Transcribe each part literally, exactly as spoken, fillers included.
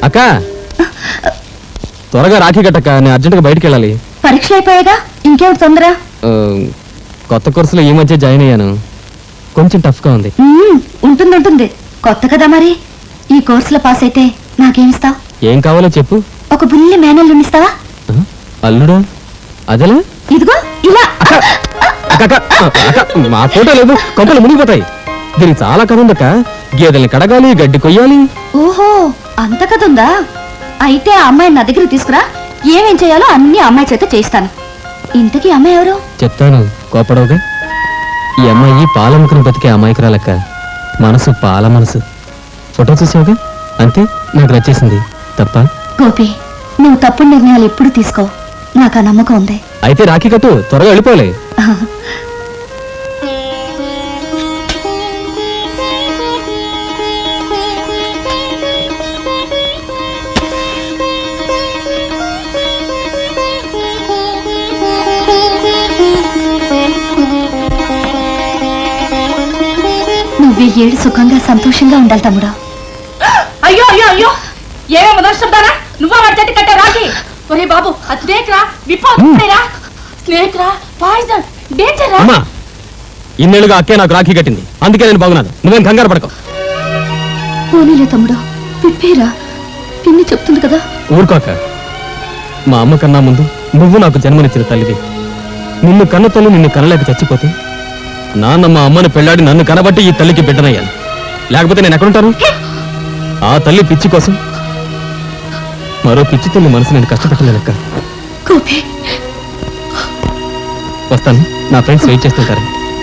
అక్క త్వరగా రాఖీ కట్టక్క, నేను అర్జెంట్గా బయటికి వెళ్ళాలి. పరీక్షలు అయిపోయాగా, ఇంకేమిటి తొందర? కొత్త కోర్సులో ఈ మధ్య జాయిన్ అయ్యాను, కొంచెం టఫ్గా ఉంది. ఉంటుంది ఉంటుంది, కొత్త కదా మరి. ఈ కోర్సులో పాస్ అయితే నాకేమిస్తావు? ఏం కావాలో చెప్పు. ఒక బుల్లి మేనల్లుని ఇస్తావా? అల్లుడా? అదేలా? ఇదిగో ఇలా. మా ఫోటో లేదు, కొంపలు మునిగిపోతాయి. దీనికి చాలా కథ ఉందక్క. గేదెల్ని కడగాలి, గడ్డి కొయ్యాలి. ఓహో, అంత కథ ఉందా? అయితే ఆ అమ్మాయిని నా దగ్గర తీసుకురా, ఏమేం చేయాలో అన్ని అమ్మాయి చేత చేయిస్తాను. ఇంతకీ అమ్మాయి ఎవరు? చెప్తాను, కోపడవుగా. ఈ అమ్మాయి పాలముకుని బతికే అమ్మాయికురాలక్క. మనసు పాల మనసు. ఫోటో చూసావుగా, అంతే, నాకు నచ్చేసింది. తప్ప? గోపి, నువ్వు తప్పుడు నిర్ణయాలు ఎప్పుడు తీసుకో, నాకు ఆ నమ్మకం ఉంది. అయితే రాఖీ కట్టు, త్వరగా వెళ్ళిపోలే. నువ్వు ఏడు సుఖంగా సంతోషంగా ఉండాలి తమ్ముడా. అయ్యో అయ్యో అయ్యో, ఏమేమో దర్శిస్తారా? నువ్వా వాడి చేతి కట్టే రాకి? ఒరే బాబు, అది స్నేక్ రా, విప్పోరా, స్నేక్ రా, పాయిజన్, డేంజర్ రా. అమ్మా, ఇన్నేళ్ళుగా అక్కే నాకు రాఖీ కట్టింది, అందుకే నేను బాగున్నాను. నువ్వేం కంగారు పడకు. పోనీలే తమ్ముడా, విప్పేరా, పిన్ని చెప్తుంది కదా. ఊరుకోక. మా అమ్మ కన్నా ముందు నువ్వు నాకు జన్మనిచ్చిన తల్లిది. నిన్ను కన్న తల్లి నిన్ను కనలేక చచ్చిపోతే నాన్న మా అమ్మను పెళ్లాడి నన్ను కనబట్టి ఈ తల్లికి బిడ్డనయ్యాను. లేకపోతే నేను ఎక్కడుంటాను? ఆ తల్లి పిచ్చి కోసం మరో పిచ్చి తల్లి మనసు నేను కష్టపెట్టలేదక్క. వస్తాను, నా ఫ్రెండ్స్ వెయిట్ చేస్తుంటారు.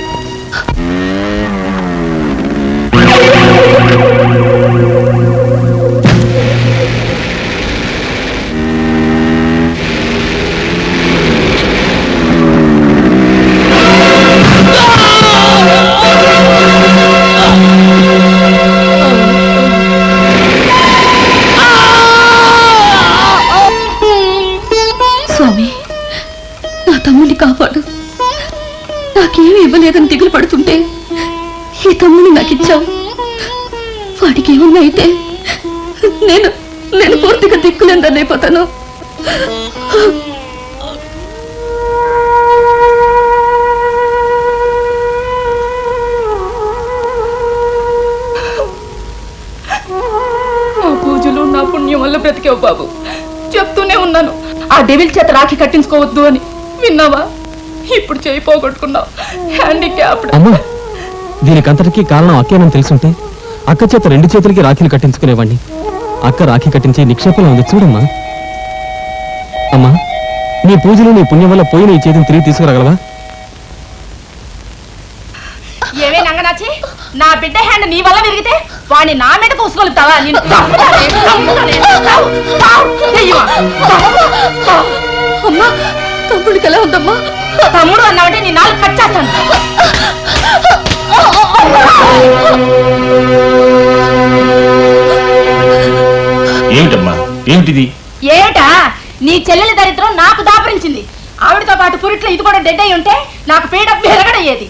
స్వామి, నా తమ్ముడిని కాపాడు. నాకేమి ఇవ్వలేదని దిగులు పడుతుంటే ఈ తమ్ముడిని నాకు ఇచ్చావు. వాడికి ఏమన్నా అయితే నేను నేను పూర్తిగా దిక్కులేదని అయిపోతాను. నా పూజలు నా పుణ్యం వల్ల బ్రతికావు బాబు. చెప్తూనే ఉన్నాను, ఆ డెవిల్ చేత రాఖీ కట్టించుకోవద్దు అని. విన్నావా? ఇప్పుడు చేయి పోగొట్టుకున్నావు. హ్యాండిక్యాప్డ్. అమ్మా, దీనికంతటికీ కారణం అక్కేనని తెలుసుంటే అక్క చేత రెండు చేతులకి రాఖీలు కట్టించుకునేవాడిని. అక్క రాఖీ కట్టించి నిక్షేపంలో ఉంది చూడమ్మా. అమ్మా, నీ పూజలు నీ పుణ్యం వల్ల పోయి నీ చేతిని తిరిగి తీసుకురాగలవా? ఏవే నంగనాచి, నా బిడ్డ హ్యాండ్ నీ వల్ల విరిగితే వాడిని నా మీద కూసుకోలుతావా? అమ్మా, తమ్ముడికి ఎలా ఉందమ్మా? తమ్ముడు అన్నావంటే నీ నాలుగు కట్ చేస్తాను. ఏమిటమ్మా, ఏమిటిది? ఏమిటా? నీ చెల్లెలి దరిద్రం నాకు దాపరించింది. ఆవిడతో పాటు పురిట్లో ఇది కూడా డెడ్ అయి ఉంటే నాకు పీడ విరగడయ్యేది.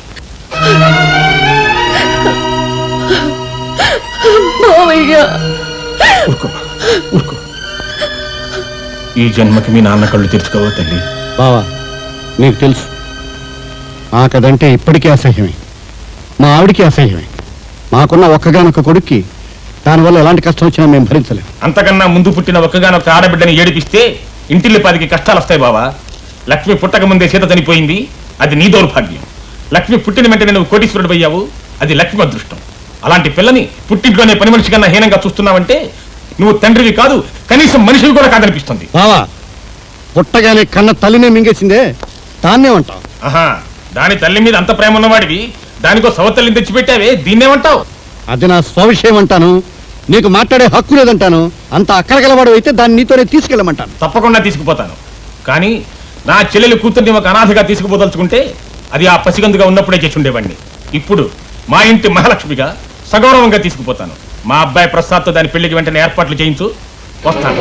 ఈ జన్మకి మీ నాన్న కళ్ళు తెరుచుకోవా తల్లి. బావా, నీకు తెలుసు మాకదంటే ఇప్పటికీ అసహ్యమే, మా ఆవిడికి అసహ్యమే. మాకున్న ఒక్కగానొక్క కొడుక్కి దానివల్ల ఎలాంటి కష్టం వచ్చినా మేము భరించలేము. అంతకన్నా ముందు పుట్టిన ఒక్కగానొక్క ఆడబిడ్డని ఏడిపిస్తే ఇంటిల్లి పదికి కష్టాలు వస్తాయి బావా. లక్ష్మి పుట్టక ముందే సీత చనిపోయింది, అది నీ దౌర్భాగ్యం. లక్ష్మి పుట్టిన వెంటనే నువ్వు కోటీశ్వరుడు అయ్యావు, అది లక్ష్మి అదృష్టం. అలాంటి పిల్లని పుట్టింట్లోనే పని మనిషి కన్నా హీనంగా చూస్తున్నావంటే నువ్వు తండ్రివి కాదు, కనీసం మనిషివి కూడా కాదనిపిస్తుంది. బావా, పుట్టగానే కన్న తల్లినే మింగేసిందే, దాన్నేమంటావు? ఆహా, దాని తల్లి మీద అంత ప్రేమ ఉన్నవాడివి దానికో సవతల్లిని తెచ్చిపెట్టావే, దీన్నేమంటావు? అది నా స్వవిషయం అంటాను, నీకు మాట్లాడే హక్కు లేదంటాను. అంత అక్కరగలవాడు అయితే దాన్ని నీతోనే తీసుకెళ్ళమంటాను. తప్పకుండా తీసుకుపోతాను, కానీ నా చెల్లెలు కూతుర్ని ఒక అనాథగా తీసుకుపోదలుచుకుంటే అది ఆ పసిగందుగా ఉన్నప్పుడే చేసి ఉండేవాడిని. ఇప్పుడు మా ఇంటి మహాలక్ష్మిగా సగౌరవంగా తీసుకుపోతాను. మా అబ్బాయి ప్రసాద్తో దాని పెళ్లికి వెంటనే ఏర్పాట్లు చేయించు. వస్తాను.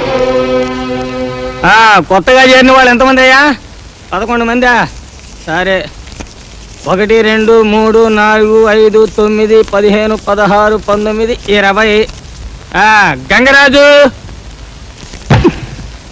కొత్తగా చేరిన వాళ్ళు ఎంతమంది అయ్యా? పదకొండు మందా? సరే, ఒకటి రెండు మూడు నాలుగు ఐదు తొమ్మిది పదిహేను పదహారు పంతొమ్మిది ఇరవై. గంగరాజు,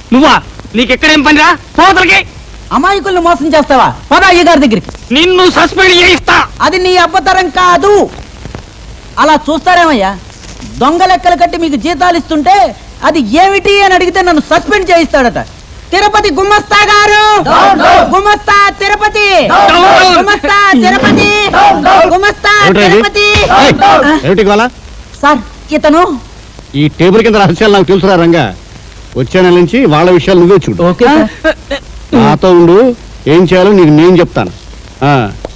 నువ్వా నీకెక్కడేం పనిరా పోతలకి అమాయకుల్ని మోసం చేస్తావా పద అయ్య గారి దగ్గరికి. నిన్ను సస్పెండ్ చేయిస్తా. అది నీ అబ్బతరం కాదు. అలా చూస్తారేమయ్యా, దొంగ లెక్కలు కట్టి మీకు జీతాలు ఇస్తుంటే అది ఏమిటి అని అడిగితే నన్ను సస్పెండ్ చేయిస్తాడట. తిరుపతి గుమస్తా గారు, గుమస్తా తిరుపతి, గుమస్తా తిరుపతి, గుమస్తా ఏమిటో ఇది? తిరుపతి. ఏయ్, ఏమిటి గోల? సార్ ఇతను ఈ టేబుల్ కింద రహస్యాలు నాకు తెలుసురా రంగా. వచ్చే నెల నుంచి వాళ్ళ విషయాలు నువ్వే చూడు. ఓకే నాతో ఉండు, ఏం చేయాలో నీకు నేను చెప్తాను. ఆ,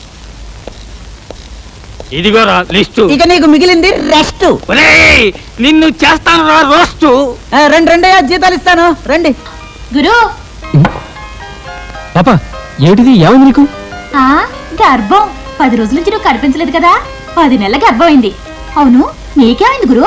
ఇదిగోరా లిస్టు. ఇక నీకు మిగిలింది రెస్ట్. ఒరేయ్, నిన్ను చేస్తాను రా రోస్టు. రెండు రెండయ్యా జీతాలు ఇస్తాను రండి. గురు పాప ఏమిటిది ఏమైంది నీకు? ఆ గర్భం పది రోజుల నుంచి నువ్వు కనిపించలేదు కదా, పది నెలల గర్భం అయింది. అవును నీకేమైంది గురు?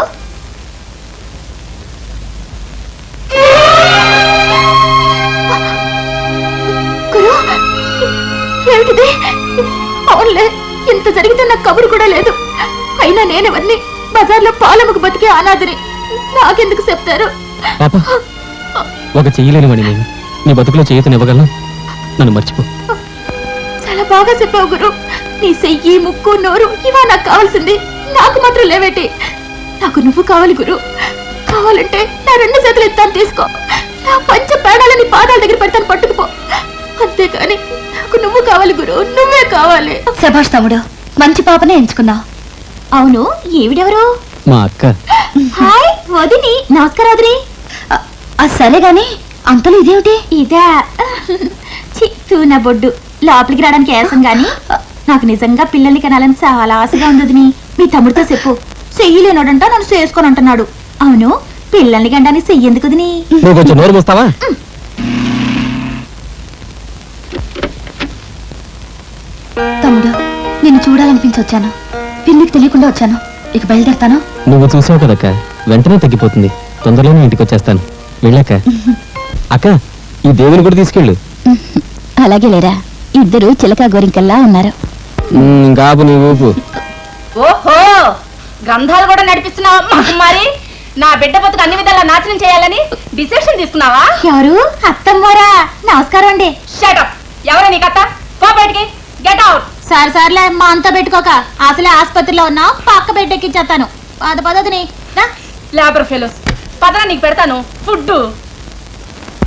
గురు ఏమిటిది? అవునులే, ఇంత జరిగితే నాకు కబురు కూడా లేదు. అయినా నేనెవరిని? బజార్లో పాలమ్మకు బతికే అనాథని. నాకెందుకు చెప్తారు? పాప ఒక చెయ్యలేని వాడిని నేను. నీ బతుకులో చేయతనివ్వగలను, నన్ను మర్చిపో. చాలా బాగా చెప్పావు గురు. నీ చెయ్యి ముక్కు నోరు ఇవా నాకు కావాల్సింది, నాకు మాత్రం లేవేటి. నాకు నువ్వు కావాలి గురు. కావాలంటే నా రెండు చేతులు ఎత్తాను తీసుకో, నా పంచ పేడాలని పాదాల దగ్గర పెడతాను పట్టుకుపో. అంతేకాని నాకు నువ్వు కావాలి గురు, నువ్వే కావాలి. శభాష్ తమ్ముడు, మంచి పాపనే ఎంచుకున్నావు. అవును ఈవిడెవరు? మా అక్క. హాయ్ వదిని. నమస్కారం వదిని. అది సరే గాని అంతలో ఇదేమిటి? ఇదే చిత్తూ నా బొడ్డు. లోపలికి రావడానికి ఏసం గాని నాకు నిజంగా పిల్లల్ని కనాలని చాలా ఆశగా ఉంది వదిని. మీ తమ్ముడితో చెప్పు, చెయ్యలేనోడంట నన్ను చేసుకొని అంటున్నాడు. అవును పిల్లల్ని కండానికి చెయ్యేందుకు వదిని? నువ్వు కొంచెం నోరు మూస్తావా? తమ్ముడు, నిన్ను చూడాలనిపించి వచ్చాను. పిన్నికి తెలియకుండా వచ్చాను. ఇక బయలుదేరుతాను. నువ్వు చూసావు కదక్క, వెంటనే తగ్గిపోతుంది. తొందరలోనే ఇంటికి వచ్చేస్తాను. వెళ్ళాక అక్క ఈ దేవుని కూడా తీసుకెళ్ళు. అలాగే లేరా, ఇద్దరు చిలక గోరింకల్లా ఉన్నారు. ఉమ్, గాబు నీ ఊపు. ఓహో గ్రంథాలు కూడా నడిపిస్తున్నావా మరి? నా బిడ్డ బతుకు అన్ని విధాలా నాశనం చేయాలని డిసిషన్ తీసుకున్నావా? ఎవరు? అత్తమ్మోరా. నమస్కారం అండి. షటప్. ఎవరు నీకు అత్త? పో బయటికి. Get out. సార్ సార్లే మా అంతా పెట్టుకోక, అసలే ఆసుపత్రిలో ఉన్నా పక్క బెడ్ ఎక్కించేస్తాను. పద పదదిని లేబర్ ఫెలోస్. పదరా నీకు పెడతాను ఫుడ్.